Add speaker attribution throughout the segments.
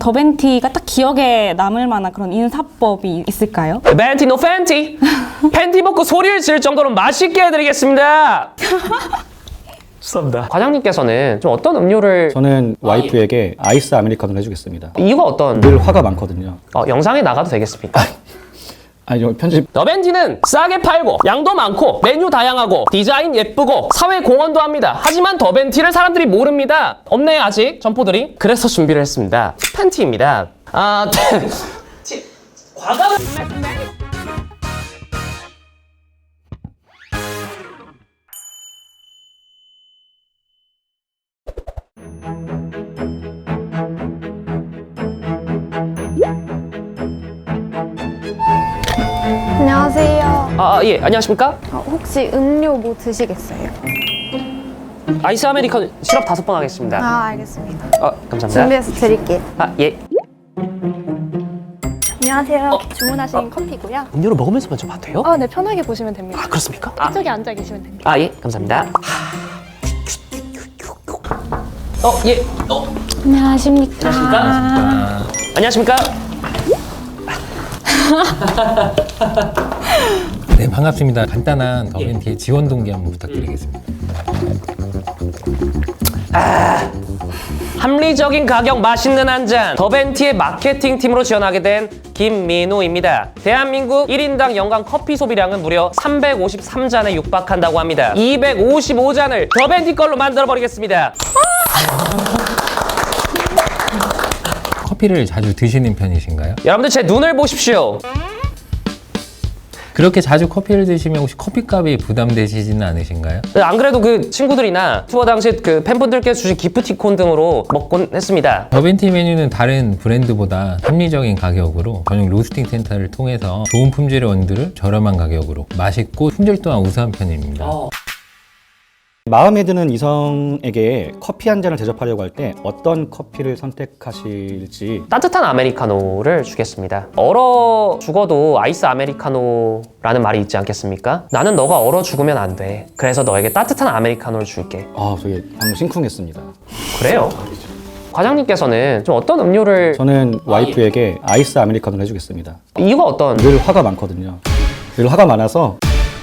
Speaker 1: 더벤티가 딱 기억에 남을 만한 그런 인사법이 있을까요?
Speaker 2: 벤티 노 팬티. 팬티 벗고 소리를 지를 정도로 맛있게 해드리겠습니다. 죄송합니다. 과장님께서는 좀 어떤 음료를
Speaker 3: 저는 와이프에게 아이스 아메리카노를 해주겠습니다.
Speaker 2: 이유가 어떤
Speaker 3: 늘 화가 많거든요.
Speaker 2: 영상에 나가도 되겠습니까?
Speaker 3: 아니 저 편집
Speaker 2: 더벤티는 싸게 팔고 양도 많고 메뉴 다양하고 디자인 예쁘고 사회 공헌도 합니다. 하지만 더벤티를 사람들이 모릅니다. 없네 아직 점포들이. 그래서 준비를 했습니다. 팬티입니다. 과감한
Speaker 4: 안녕하세요.
Speaker 2: 예, 안녕하십니까?
Speaker 4: 혹시 음료 뭐 드시겠어요?
Speaker 2: 아이스 아메리카노 시럽 5번 하겠습니다.
Speaker 4: 알겠습니다.
Speaker 2: 감사합니다.
Speaker 4: 준비해서 드릴게요.
Speaker 2: 예.
Speaker 5: 안녕하세요. 주문하신 커피고요.
Speaker 2: 음료를 먹으면서 먼저 봐도 돼요?
Speaker 5: 네, 편하게 보시면 됩니다.
Speaker 2: 그렇습니까?
Speaker 5: 이쪽에 앉아 계시면 됩니다.
Speaker 2: 예, 감사합니다. 예.
Speaker 1: 안녕하십니까.
Speaker 2: 안녕하십니까?
Speaker 6: 네, 반갑습니다. 간단한 더벤티의 지원 동기 한번 부탁드리겠습니다.
Speaker 2: 합리적인 가격 맛있는 한 잔 더벤티의 마케팅 팀으로 지원하게 된 김민우입니다. 대한민국 1인당 연간 커피 소비량은 무려 353잔에 육박한다고 합니다. 255잔을 더벤티 걸로 만들어 버리겠습니다.
Speaker 6: 커피를 자주 드시는 편이신가요?
Speaker 2: 여러분들 제 눈을 보십시오.
Speaker 6: 그렇게 자주 커피를 드시면 혹시 커피값이 부담되시지는 않으신가요?
Speaker 2: 안 그래도 그 친구들이나 투어 당시 그 팬분들께서 주신 기프티콘 등으로 먹곤 했습니다.
Speaker 6: 더벤티 메뉴는 다른 브랜드보다 합리적인 가격으로 전용 로스팅 센터를 통해서 좋은 품질의 원두를 저렴한 가격으로 맛있고 품질 또한 우수한 편입니다.
Speaker 3: 마음에 드는 이성에게 커피 한 잔을 대접하려고 할 때 어떤 커피를 선택하실지.
Speaker 2: 따뜻한 아메리카노를 주겠습니다. 얼어 죽어도 아이스 아메리카노라는 말이 있지 않겠습니까? 나는 너가 얼어 죽으면 안 돼. 그래서 너에게 따뜻한 아메리카노를 줄게.
Speaker 3: 저게 방금 심쿵했습니다.
Speaker 2: 그래요? 과장님께서는 좀 어떤 음료를
Speaker 3: 저는 와이프에게 아이스 아메리카노를 해주겠습니다.
Speaker 2: 이유가 어떤
Speaker 3: 늘 화가 많거든요. 늘 화가 많아서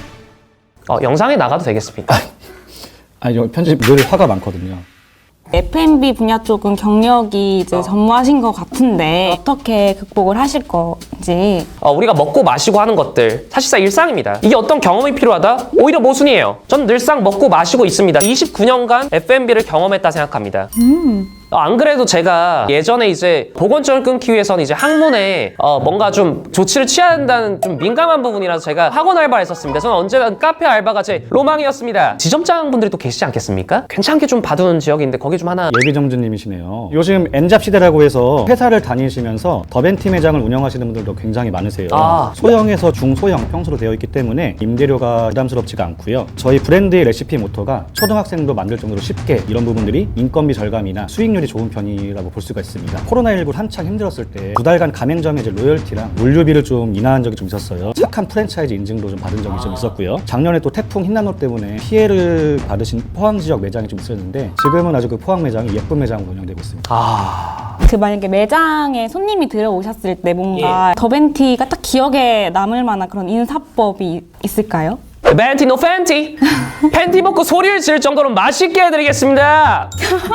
Speaker 2: 영상에 나가도 되겠습니까?
Speaker 3: 아니 저 편집 늘 화가 많거든요.
Speaker 1: F&B 분야 쪽은 경력이 이제 전무하신 것 같은데 어떻게 극복을 하실 건지.
Speaker 2: 우리가 먹고 마시고 하는 것들 사실상 일상입니다. 이게 어떤 경험이 필요하다? 오히려 모순이에요. 전 늘상 먹고 마시고 있습니다. 29년간 F&B를 경험했다 생각합니다. 안 그래도 제가 예전에 이제 보건증을 끊기 위해서는 이제 학문에 뭔가 좀 조치를 취해야 한다는 좀 민감한 부분이라서 제가 학원 알바를 했었습니다. 저는 언제나 카페 알바가 제 로망이었습니다. 지점장분들이 또 계시지 않겠습니까? 괜찮게 좀 봐두는 지역인데 거기 좀 하나.
Speaker 3: 예비점주님이시네요. 요즘 N잡 시대라고 해서 회사를 다니시면서 더벤티 매장을 운영하시는 분들도 굉장히 많으세요. 소형에서 중소형 평수로 되어 있기 때문에 임대료가 부담스럽지가 않고요. 저희 브랜드의 레시피 모토가 초등학생도 만들 정도로 쉽게, 이런 부분들이 인건비 절감이나 수익률이 좋은 편이라고 볼 수가 있습니다. 코로나19 한창 힘들었을 때 2달간 가맹점에 이제 로열티랑 물류비를 좀 인하한 적이 좀 있었어요. 착한 프랜차이즈 인증도 좀 받은 적이 좀 있었고요. 작년에 또 태풍 흰난로 때문에 피해를 받으신 포항 지역 매장이 좀 있었는데 지금은 아주 그 포항 매장이 예쁜 매장으로 운영되고 있습니다.
Speaker 1: 그 만약에 매장에 손님이 들어오셨을 때 뭔가 더벤티가 딱 기억에 남을 만한 그런 인사법이 있을까요?
Speaker 2: 벤티 노 팬티. 팬티 벗고 소리를 지를 정도로 맛있게 해드리겠습니다.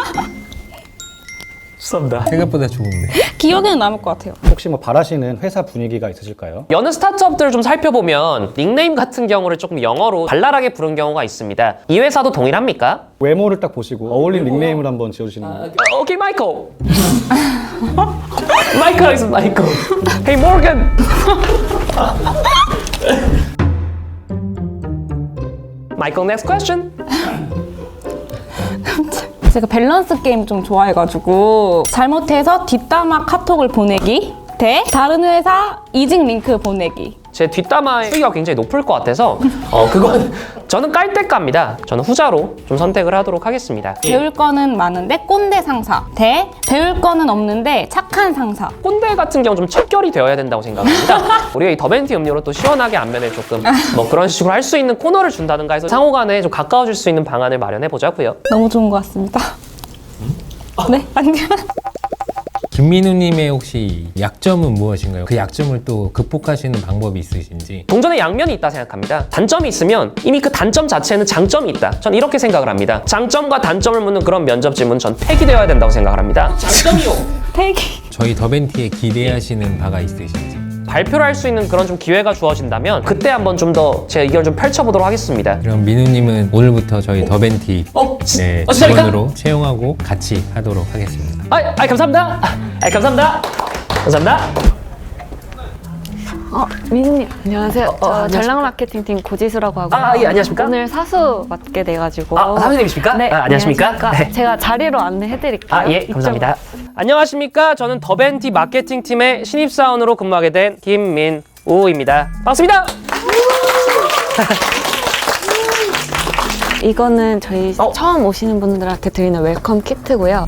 Speaker 2: 죄송합니다.
Speaker 6: 생각보다 좋은데.
Speaker 1: 기억에는 남을 것 같아요.
Speaker 3: 혹시 뭐 바라시는 회사 분위기가 있으실까요?
Speaker 2: 여느 스타트업들을 좀 살펴보면 닉네임 같은 경우를 조금 영어로 발랄하게 부른 경우가 있습니다. 이 회사도 동일합니까?
Speaker 3: 외모를 딱 보시고 어울린 닉네임을 한번 지어주시는 거예요.
Speaker 2: 오케이 마이클. 마이클 하겠습니다. 마이클. Hey Morgan. 마이클 next question.
Speaker 1: 제가 밸런스 게임 좀 좋아해가지고 잘못해서 뒷담화 카톡을 보내기 대 다른 회사 이직 링크 보내기.
Speaker 2: 제 뒷담화의 수위가 굉장히 높을 것 같아서 그건 저는 깔때갑니다. 저는 후자로 좀 선택을 하도록 하겠습니다.
Speaker 1: 배울 거는 많은데 꼰대 상사 대 배울 거는 없는데 착한 상사.
Speaker 2: 꼰대 같은 경우 좀 척결이 되어야 된다고 생각합니다. 우리가 이 더벤티 음료로 또 시원하게 안면에 조금 뭐 그런 식으로 할 수 있는 코너를 준다든가 해서 상호간에 좀 가까워질 수 있는 방안을 마련해 보자고요.
Speaker 1: 너무 좋은 것 같습니다. 네, 안녕.
Speaker 6: 김민우님의 혹시 약점은 무엇인가요? 그 약점을 또 극복하시는 방법이 있으신지.
Speaker 2: 동전의 양면이 있다 생각합니다. 단점이 있으면 이미 그 단점 자체에는 장점이 있다. 전 이렇게 생각을 합니다. 장점과 단점을 묻는 그런 면접 질문 전 폐기되어야 된다고 생각을 합니다. 장점이요.
Speaker 1: 태기.
Speaker 6: 저희 더벤티에 기대하시는 바가 있으신지.
Speaker 2: 발표를 할 수 있는 그런 좀 기회가 주어진다면 그때 한번 좀 더 제 의견을 좀 펼쳐보도록 하겠습니다.
Speaker 6: 그럼 민우님은 오늘부터 저희 더벤티 네,
Speaker 2: 진짜입니까?
Speaker 6: 직원으로 채용하고 같이 하도록 하겠습니다.
Speaker 2: 감사합니다. 감사합니다. 감사합니다.
Speaker 4: 민우님 안녕하세요. 저
Speaker 2: 안녕하십니까?
Speaker 4: 전략 마케팅팀 고지수라고 하고요.
Speaker 2: 예, 안녕하십니까?
Speaker 4: 오늘 사수 맡게 돼가지고.
Speaker 2: 사장님이십니까?
Speaker 4: 네,
Speaker 2: 안녕하십니까? 네.
Speaker 4: 제가 자리로 안내해드릴게요.
Speaker 2: 예, 감사합니다. 안녕하십니까? 저는 더벤티 마케팅 팀의 신입사원으로 근무하게 된 김민우입니다. 반갑습니다.
Speaker 4: 이거는 저희 처음 오시는 분들한테 드리는 웰컴 키트고요.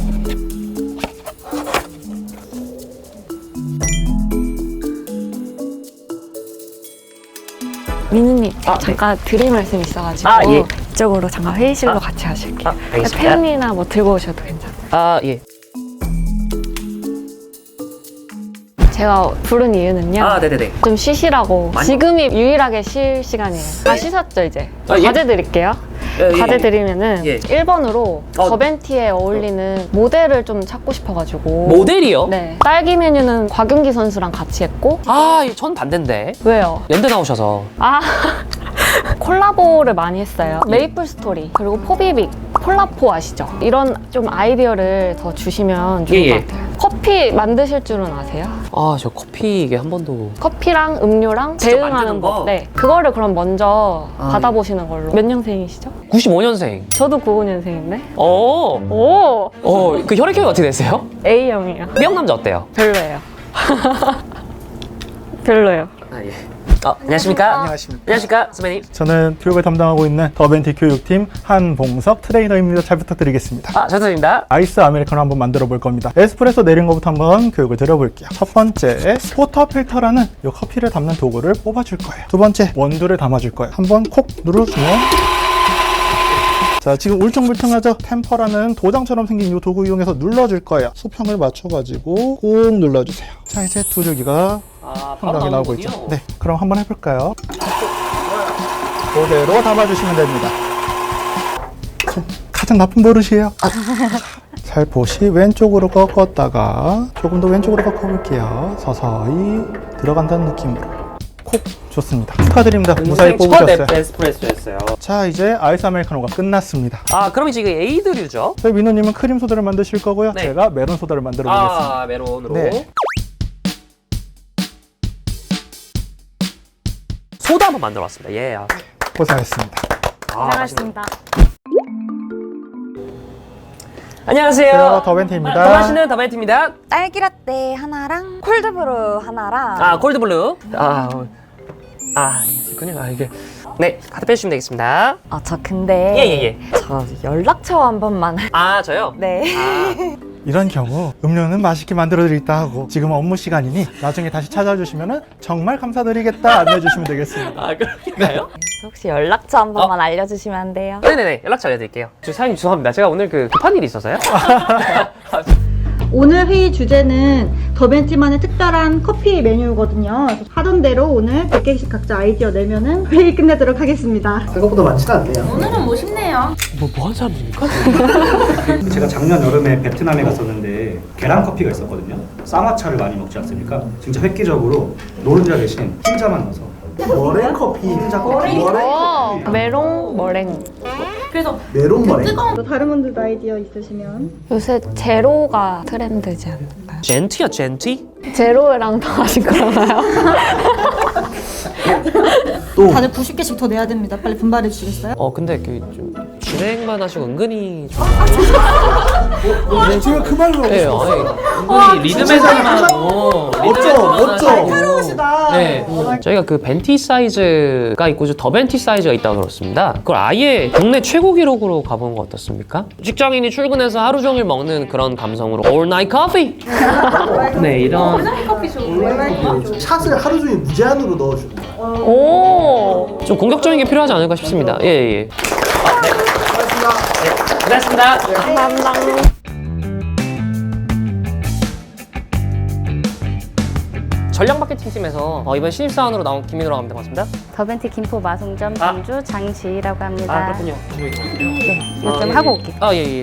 Speaker 4: 민우님 잠깐 드릴 말씀 있어가지고
Speaker 2: 예.
Speaker 4: 이쪽으로 잠깐 회의실로 같이 하실게요.
Speaker 2: 알겠습니다.
Speaker 4: 펜이나 뭐 들고 오셔도 괜찮아요.
Speaker 2: 예.
Speaker 4: 제가 부른 이유는요.
Speaker 2: 네네네.
Speaker 4: 좀 쉬시라고. 지금이 유일하게 쉴 시간이에요. 다 쉬셨죠 이제?
Speaker 2: 예.
Speaker 4: 과제 드릴게요. 과제 드리면은
Speaker 2: 예.
Speaker 4: 1번으로 더벤티에 어울리는 모델을 좀 찾고 싶어가지고.
Speaker 2: 모델이요?
Speaker 4: 네. 딸기 메뉴는 곽윤기 선수랑 같이 했고.
Speaker 2: 전 반대인데.
Speaker 4: 왜요?
Speaker 2: 랜드 나오셔서.
Speaker 4: 콜라보를 많이 했어요. 메이플 스토리 그리고 포비빅, 폴라포 아시죠? 이런 좀 아이디어를 더 주시면 좋을 것 같아요. 커피 만드실 줄은 아세요?
Speaker 2: 저 커피 이게 한 번도.
Speaker 4: 커피랑 음료랑
Speaker 2: 직접
Speaker 4: 대응하는
Speaker 2: 만드는 거?
Speaker 4: 법. 네. 그거를 그럼 먼저 받아보시는 걸로. 몇 년생이시죠?
Speaker 2: 95년생.
Speaker 4: 저도 95년생인데.
Speaker 2: 오. 그 혈액형이 어떻게 되세요?
Speaker 4: A형이요.
Speaker 2: B형 남자 어때요?
Speaker 4: 별로예요. 별로예요.
Speaker 2: 예. 안녕하십니까?
Speaker 7: 안녕하십니까.
Speaker 2: 안녕하십니까, 선배님.
Speaker 7: 저는 교육을 담당하고 있는 더벤티 교육팀 한봉석 트레이너입니다. 잘 부탁드리겠습니다.
Speaker 2: 잘 부탁드립니다.
Speaker 7: 아이스 아메리카노 한번 만들어 볼 겁니다. 에스프레소 내린 것부터 한번 교육을 드려볼게요. 첫 번째, 포터 필터라는 이 커피를 담는 도구를 뽑아줄 거예요. 두 번째, 원두를 담아줄 거예요. 한번 콕 눌러주면 자, 지금 울퉁불퉁하죠? 템퍼라는 도장처럼 생긴 이 도구 이용해서 눌러줄 거예요. 수평을 맞춰가지고 꾹 눌러주세요. 자, 이제 두 줄기가 상당히 나오고 있죠. 네, 그럼 한번 해볼까요? 그대로 담아주시면 됩니다. 가장 나쁜 버릇이에요. 살포시 왼쪽으로 꺾었다가 조금 더 왼쪽으로 꺾어볼게요. 서서히 들어간다는 느낌으로. 콕! 좋습니다. 축하드립니다. 무사히 뽑으셨어요.
Speaker 2: 에스프레소였어요.
Speaker 7: 자, 이제 아이스 아메리카노가 끝났습니다.
Speaker 2: 그럼 이제 이게 에이드류죠?
Speaker 7: 저희 민호님은 크림 소다를 만드실 거고요.
Speaker 2: 네.
Speaker 7: 제가 메론 소다를 만들어 보겠습니다.
Speaker 2: 메론으로.
Speaker 7: 네.
Speaker 2: 소다 한번 만들어 봤습니다. 예.
Speaker 7: 고생하셨습니다.
Speaker 1: 고생하셨습니다.
Speaker 2: 안녕하세요.
Speaker 7: 더벤티입니다.
Speaker 2: 좋아하시는 더벤티입니다.
Speaker 8: 딸기라떼 하나랑 콜드브루 하나랑
Speaker 2: 콜드블루. 있군요. 이게. 네, 카드 빼주시면 되겠습니다.
Speaker 8: 저 근데
Speaker 2: 예.
Speaker 8: 저 연락처 한 번만
Speaker 2: 저요?
Speaker 8: 네.
Speaker 7: 이런 경우 음료는 맛있게 만들어 드리겠다 하고 지금 업무 시간이니 나중에 다시 찾아주시면 정말 감사드리겠다 안내해 주시면 되겠습니다.
Speaker 2: 그럴까요?
Speaker 8: 혹시 연락처 한 번만 알려주시면 안 돼요?
Speaker 2: 네네네. 연락처 알려드릴게요. 사장님 죄송합니다. 제가 오늘 급한 일이 있어서요.
Speaker 9: 오늘 회의 주제는 더벤티만의 특별한 커피 메뉴거든요. 하던 대로 오늘 100개씩 각자 아이디어 내면은 회의 끝내도록 하겠습니다.
Speaker 7: 생각보다 많지는 않네요.
Speaker 1: 오늘은 멋있네요.
Speaker 2: 뭐 하는 사람입니까?
Speaker 3: 제가 작년 여름에 베트남에 갔었는데 계란 커피가 있었거든요. 쌍화차를 많이 먹지 않습니까? 진짜 획기적으로 노른자 대신 흰자만 넣어서
Speaker 7: 머랭 커피.
Speaker 3: 흰자 커피.
Speaker 4: 메롱 머랭.
Speaker 7: 메론 머랭.
Speaker 9: 또 다른 분들도 아이디어 있으시면
Speaker 4: 요새 제로가 트렌드지 않나요?
Speaker 2: 젠티야, 젠티?
Speaker 4: 제로랑 더하신 거라나요?
Speaker 9: 다들 90개씩 더 내야 됩니다. 빨리 분발해 주시겠어요?
Speaker 2: 근데 좀 진행만 하시고 은근히 좀.
Speaker 7: 지금 그 말로
Speaker 2: 네, 은근히 리듬에서만 하고.
Speaker 7: 멋져.
Speaker 2: 네. 저희가 그 벤티 사이즈가 있고 더 벤티 사이즈가 있다고 들었습니다. 그걸 아예 국내 최고 기록으로 가보는 거 어떻습니까? 직장인이 출근해서 하루 종일 먹는 그런 감성으로 All Night Coffee. 네, 이런.
Speaker 7: 샷을 하루 종일 무제한으로 넣어줍니다.
Speaker 4: 오.
Speaker 2: 좀 공격적인 게 필요하지 않을까 싶습니다. 예. 네. 고맙습니다. 네, 고맙습니다.
Speaker 4: 감사합니다.
Speaker 2: 전략 마케팅 팀에서 이번 신입사원으로 나온 김민우라고 합니다. 반갑습니다.
Speaker 10: 더벤티 김포 마송점
Speaker 2: 아.
Speaker 10: 점주 장지희라고 합니다.
Speaker 2: 그렇군요.
Speaker 10: 이거 좀 하고 올게요.
Speaker 2: 예.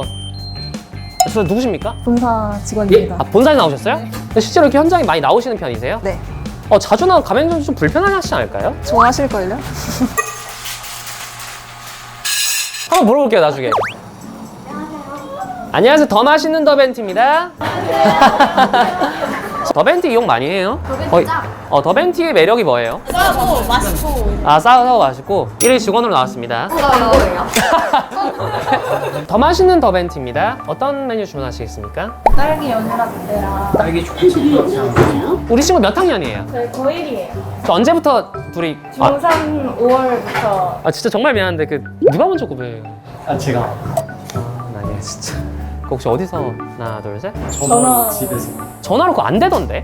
Speaker 2: 저 누구십니까?
Speaker 5: 본사 직원입니다.
Speaker 2: 아, 본사에 나오셨어요? 근데 실제로 이렇게 현장에 많이 나오시는 편이세요?
Speaker 5: 네.
Speaker 2: 자주 나온 가맹점 좀 불편하시지 않을까요?
Speaker 5: 좋아하실걸요?
Speaker 2: 한번 물어볼게요, 나중에. 안녕하세요. 더 맛있는 더벤티입니다. 더벤티 이용 많이 해요? 더벤티의 매력이 뭐예요?
Speaker 5: 싸고 맛있고.
Speaker 2: 싸고 맛있고 1일 직원으로 나왔습니다. 더 맛있는 더벤티입니다. 어떤 메뉴 주문하시겠습니까?
Speaker 5: 딸기 연유라떼랑
Speaker 2: 우리 친구 몇 학년이에요?
Speaker 5: 저희 고1이에요.
Speaker 2: 저 언제부터 둘이
Speaker 5: 중3 5월부터
Speaker 2: 진짜 정말 미안한데 누가 먼저 고백해요?
Speaker 3: 제가
Speaker 2: 나 진짜 그 혹시 어디서 하나 둘 셋?
Speaker 5: 전화
Speaker 2: 전화로 그거 안 되던데?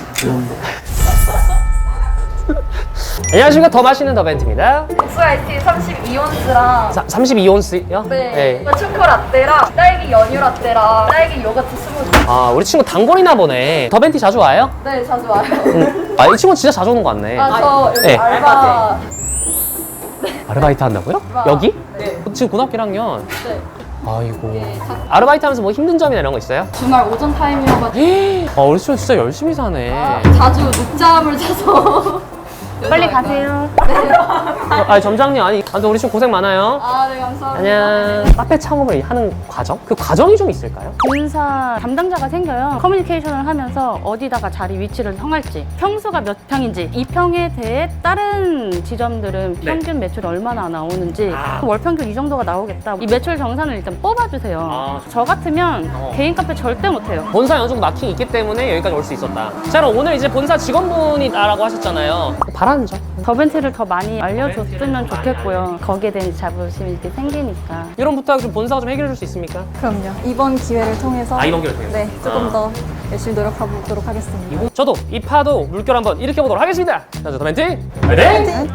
Speaker 2: 안녕하십니까. 더 맛있는 더벤트입니다.
Speaker 5: 국수 아이스티 32온스랑
Speaker 2: 32온스요?
Speaker 5: 네. 초코라떼랑 딸기 연유라떼랑 딸기 요거트 스무디.
Speaker 2: 우리 친구 단골이나 보네. 더벤티 자주 와요?
Speaker 5: 네, 자주 와요.
Speaker 2: 이 친구 진짜 자주 오는 거 같네.
Speaker 5: 저 여기
Speaker 2: 네.
Speaker 5: 알바.
Speaker 2: 아르바이트 한다고요? 여기?
Speaker 5: 네.
Speaker 2: 지금 고등학교 1학년.
Speaker 5: 네.
Speaker 2: 아이고. 아르바이트 하면서 뭐 힘든 점이나 이런 거 있어요?
Speaker 5: 주말 오전 타임이어가지고
Speaker 2: 우리 친구 진짜 열심히 사네.
Speaker 5: 자주 늦잠을 자서.
Speaker 10: 빨리 가세요.
Speaker 2: 점장님, 아무튼 우리 친구 고생 많아요.
Speaker 5: 네, 감사합니다.
Speaker 2: 안녕. 카페 창업을 하는 과정? 그 과정이 좀 있을까요?
Speaker 10: 본사 담당자가 생겨요. 커뮤니케이션을 하면서 어디다가 자리 위치를 정할지, 평수가 몇 평인지, 이 평에 대해 다른 지점들은 평균 매출이 얼마나 나오는지, 월 평균 이 정도가 나오겠다. 이 매출 정산을 일단 뽑아주세요. 저 같으면 개인 카페 절대 못해요.
Speaker 2: 본사 어느 정도 마킹이 있기 때문에 여기까지 올 수 있었다. 자, 그럼 오늘 이제 본사 직원분이라고 하셨잖아요. 바라는 점?
Speaker 10: 더벤티를 더 많이 알려줬으면 좋겠고요. 거기에 대한 자부심이 이렇게 생기니까.
Speaker 2: 이런 부탁 좀 본사가 좀 해결해 줄 수 있습니까?
Speaker 5: 그럼요. 이번 기회를 통해서
Speaker 2: 이번 기회를 통해서?
Speaker 5: 네, 조금 더 열심히 노력해보도록 하겠습니다.
Speaker 2: 저도 이 파도 물결 한번 일으켜보도록 하겠습니다. 자, 더벤티 화이팅!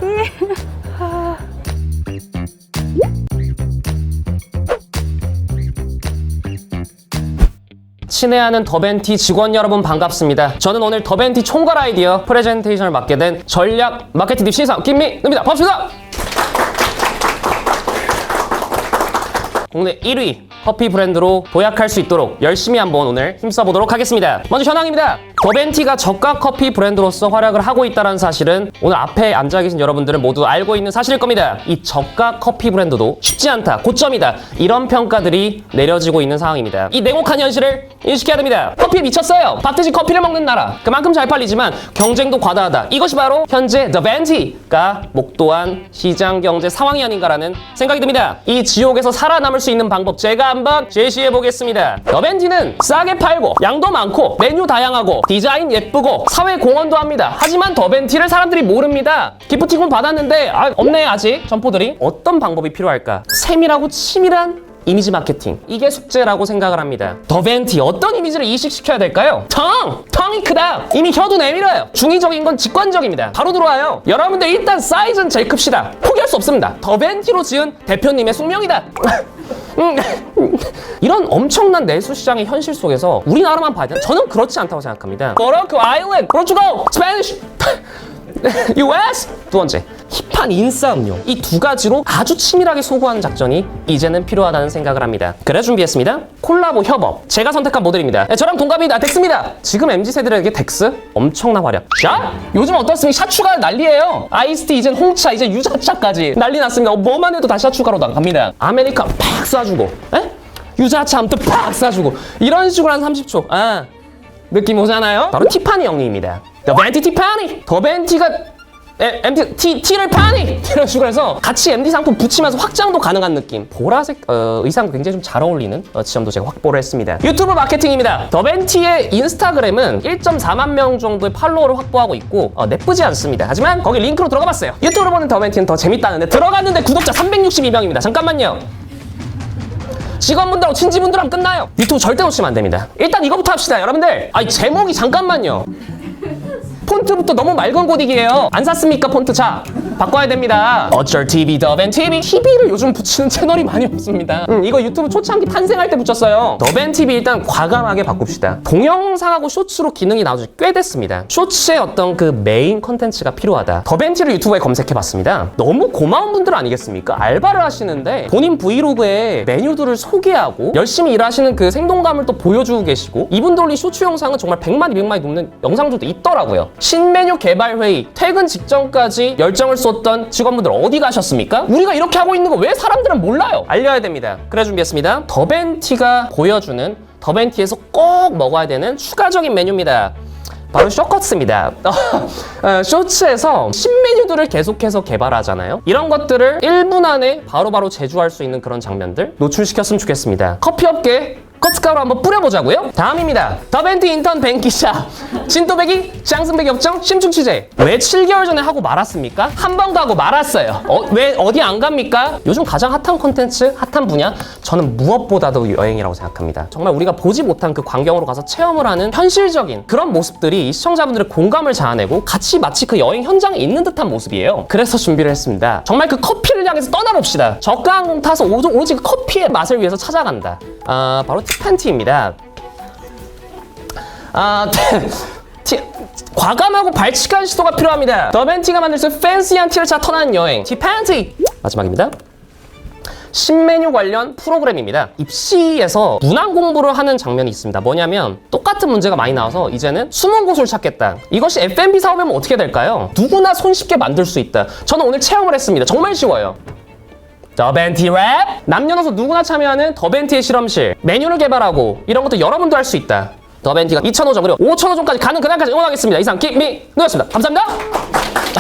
Speaker 2: 친애하는 더벤티 직원 여러분 반갑습니다. 저는 오늘 더벤티 총괄 아이디어 프레젠테이션을 맡게 된 전략 마케팅 팀 신입사원 김민우입니다. 반갑습니다. 국내 1위 커피 브랜드로 도약할 수 있도록 열심히 한번 오늘 힘써보도록 하겠습니다. 먼저 현황입니다. 더벤티가 저가 커피 브랜드로서 활약을 하고 있다는 사실은 오늘 앞에 앉아 계신 여러분들은 모두 알고 있는 사실일 겁니다. 이 저가 커피 브랜드도 쉽지 않다, 고점이다, 이런 평가들이 내려지고 있는 상황입니다. 이 냉혹한 현실을 인식해야 됩니다. 커피에 미쳤어요. 밥 대신 커피를 먹는 나라, 그만큼 잘 팔리지만 경쟁도 과다하다. 이것이 바로 현재 더벤티가 목도한 시장 경제 상황이 아닌가라는 생각이 듭니다. 이 지옥에서 살아남을 수 있는 방법 제가 한번 제시해 보겠습니다. 더벤티는 싸게 팔고 양도 많고 메뉴 다양하고 디자인 예쁘고 사회 공헌도 합니다. 하지만 더벤티를 사람들이 모릅니다. 기프티콘 받았는데 없네 아직 점포들이. 어떤 방법이 필요할까? 세밀하고 치밀한 이미지 마케팅, 이게 숙제라고 생각을 합니다. 더벤티 어떤 이미지를 이식시켜야 될까요? 텅이 크다. 이미 혀도 내밀어요. 중의적인 건 직관적입니다. 바로 들어와요. 여러분들 일단 사이즈는 제일 큽시다. 포기할 수 없습니다. 더벤티로 지은 대표님의 숙명이다. 이런 엄청난 내수 시장의 현실 속에서 우리나라만 봐야 되나? 저는 그렇지 않다고 생각합니다. 모로코, 아일랜드, 포르투갈, 스페니쉬, US! 두 번째, 힙한 인싸 음료. 이 두 가지로 아주 치밀하게 소구하는 작전이 이제는 필요하다는 생각을 합니다. 그래 준비했습니다. 콜라보 협업. 제가 선택한 모델입니다. 저랑 동갑입니다. 덱스입니다. 지금 MZ세들에게 덱스 엄청난 활약. 샷! 요즘 어떻습니까? 샷 추가 난리예요. 아이스티, 이젠 홍차, 이제 유자차까지 난리 났습니다. 뭐만 해도 다 샷 추가로 나갑니다. 아메리카 팍 쏴주고, 유자차 아무튼 팍 쏴주고, 이런 식으로 한 30초. 느낌 오잖아요? 바로 티파니 형님입니다. 더벤티 티파니! 더벤티가 T를 파니! 이런 식으로 해서 같이 MD 상품 붙이면서 확장도 가능한 느낌. 보라색 의상 굉장히 좀 잘 어울리는 지점도 제가 확보를 했습니다. 유튜브 마케팅입니다. 더벤티의 인스타그램은 1.4만 명 정도의 팔로워를 확보하고 있고 나쁘지 않습니다. 하지만 거기 링크로 들어가 봤어요. 유튜브로 보는 더벤티는 더 재밌다는데 들어갔는데 구독자 362명입니다. 잠깐만요. 직원분들하고 친지분들하고 끝나요. 유튜브 절대 놓치면 안 됩니다. 일단 이거부터 합시다. 여러분들 제목이 잠깐만요. 폰트부터 너무 맑은 고딕이에요. 안 샀습니까 폰트? 자, 바꿔야 됩니다. 어쩔 TV, 더벤TV. TV를 요즘 붙이는 채널이 많이 없습니다. 이거 유튜브 초창기 탄생할 때 붙였어요. 더벤TV 일단 과감하게 바꿉시다. 동영상하고 쇼츠로 기능이 나온 지 꽤 됐습니다. 쇼츠의 어떤 그 메인 컨텐츠가 필요하다. 더벤T를 유튜브에 검색해봤습니다. 너무 고마운 분들 아니겠습니까? 알바를 하시는데 본인 브이로그에 메뉴들을 소개하고 열심히 일하시는 그 생동감을 또 보여주고 계시고, 이분들 올린 쇼츠 영상은 정말 100만, 200만이 넘는 영상들도 있더라고요. 신메뉴 개발 회의, 퇴근 직전까지 열정을 쏟던 직원분들 어디 가셨습니까? 우리가 이렇게 하고 있는 거 왜 사람들은 몰라요? 알려야 됩니다. 그래 준비했습니다. 더벤티가 보여주는, 더벤티에서 꼭 먹어야 되는 추가적인 메뉴입니다. 바로 쇼커츠입니다. 쇼츠에서 신메뉴들을 계속해서 개발하잖아요. 이런 것들을 1분 안에 바로바로 제조할 수 있는 그런 장면들 노출시켰으면 좋겠습니다. 커피업계 커츠가루 한번 뿌려보자고요. 다음입니다. 더벤티 인턴 뱅기샤 진또배기 짱승배기 역정 심층 취재. 왜 7개월 전에 하고 말았습니까? 한 번도 하고 말았어요. 왜 어디 안 갑니까? 요즘 가장 핫한 콘텐츠, 핫한 분야, 저는 무엇보다도 여행이라고 생각합니다. 정말 우리가 보지 못한 그 광경으로 가서 체험을 하는 현실적인 그런 모습들이 이 시청자분들의 공감을 자아내고 같이 마치 그 여행 현장에 있는 듯한 모습이에요. 그래서 준비를 했습니다. 정말 그 커피를 향해서 떠나봅시다. 저가 항공 타서 오직 그 커피의 맛을 위해서 찾아간다. 바로 티팬티입니다. 과감하고 발칙한 시도가 필요합니다. 더벤티가 만들 수 팬시한 티를 차 터나는 여행, 티팬티! 마지막입니다. 신메뉴 관련 프로그램입니다. 입시에서 문항 공부를 하는 장면이 있습니다. 뭐냐면 똑같은 문제가 많이 나와서 이제는 숨은 곳을 찾겠다. 이것이 F&B 사업이면 어떻게 될까요? 누구나 손쉽게 만들 수 있다. 저는 오늘 체험을 했습니다. 정말 쉬워요. 더벤티 랩! 남녀노소 누구나 참여하는 더벤티의 실험실. 메뉴를 개발하고 이런 것도 여러분도 할 수 있다. 더벤티가 2,500원 그리고 5,000원까지 가는 그날까지 응원하겠습니다. 이상 김민우였습니다. 감사합니다.